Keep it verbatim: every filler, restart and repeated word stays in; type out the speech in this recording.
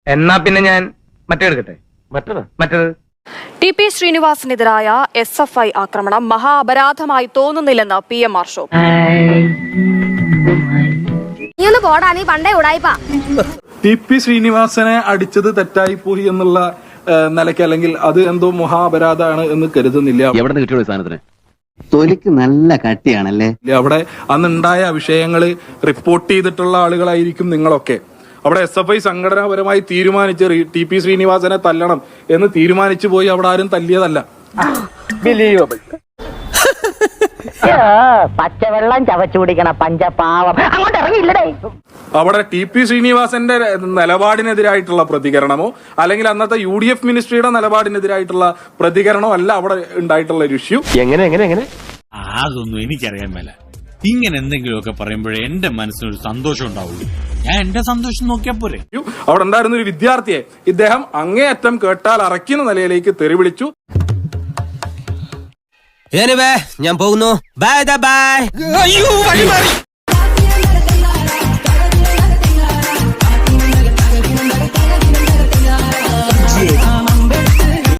എന്നാ പിന്നെ ഞാൻ മറ്റേ എടുക്കട്ടെ. മറ്റേത് മറ്റേത് ടി പി ശ്രീനിവാസനെതിരായ എസ് എഫ് ഐ ആക്രമണം മഹാ അപരാധമായി തോന്നുന്നില്ലെന്ന് P M R show. T P ശ്രീനിവാസനെ അടിച്ചത് തെറ്റായി പോയി എന്നുള്ള നിലയ്ക്ക് അല്ലെങ്കിൽ അത് എന്തോ മഹാ അപരാധമാണ് എന്ന് കരുതുന്നില്ല. എവിടെ നിന്ന് കിട്ടിയ സാധനത്തിന് തൊലിക്ക് നല്ല കട്ടിയാണല്ലേ. അവിടെ അന്നുണ്ടായ വിഷയങ്ങള് റിപ്പോർട്ട് ചെയ്തിട്ടുള്ള ആളുകളായിരിക്കും നിങ്ങളൊക്കെ. അവിടെ എസ് എഫ് ഐ സംഘടനാപരമായി തീരുമാനിച്ച് ടി പി ശ്രീനിവാസനെ തല്ലണം എന്ന് തീരുമാനിച്ചു പോയി അവിടെ ആരും തല്ലിയതല്ല. പച്ചവെള്ളം ചവച്ചു കുടിക്കണ പഞ്ചപാവം അങ്ങോട്ട് ഇറങ്ങിയില്ലടേ. അവിടെ ടി പി ശ്രീനിവാസന്റെ നിലപാടിനെതിരായിട്ടുള്ള പ്രതികരണമോ അല്ലെങ്കിൽ അന്നത്തെ യു ഡി എഫ് മിനിസ്ട്രിയുടെ നിലപാടിനെതിരായിട്ടുള്ള പ്രതികരണമോ അല്ല അവിടെ ഉണ്ടായിട്ടുള്ള ഒരു ഇഷ്യൂ. എങ്ങനെ എങ്ങനെ എങ്ങനെ അതൊന്നും എനിക്കറിയാൻ മേല. ഇങ്ങനെ എന്തെങ്കിലുമൊക്കെ പറയുമ്പോഴേ എന്റെ മനസ്സിനൊരു സന്തോഷം ഉണ്ടാവുള്ളൂ. ഞാൻ എന്റെ സന്തോഷം നോക്കിയാ പോരെ. അവിടെ ഉണ്ടായിരുന്ന ഒരു വിദ്യാർത്ഥിയെ ഇദ്ദേഹം അങ്ങേയറ്റം കേട്ടാൽ അറയ്ക്കുന്ന നിലയിലേക്ക് തെറി വിളിച്ചു. ഞാൻ പോകുന്നു. Bye by.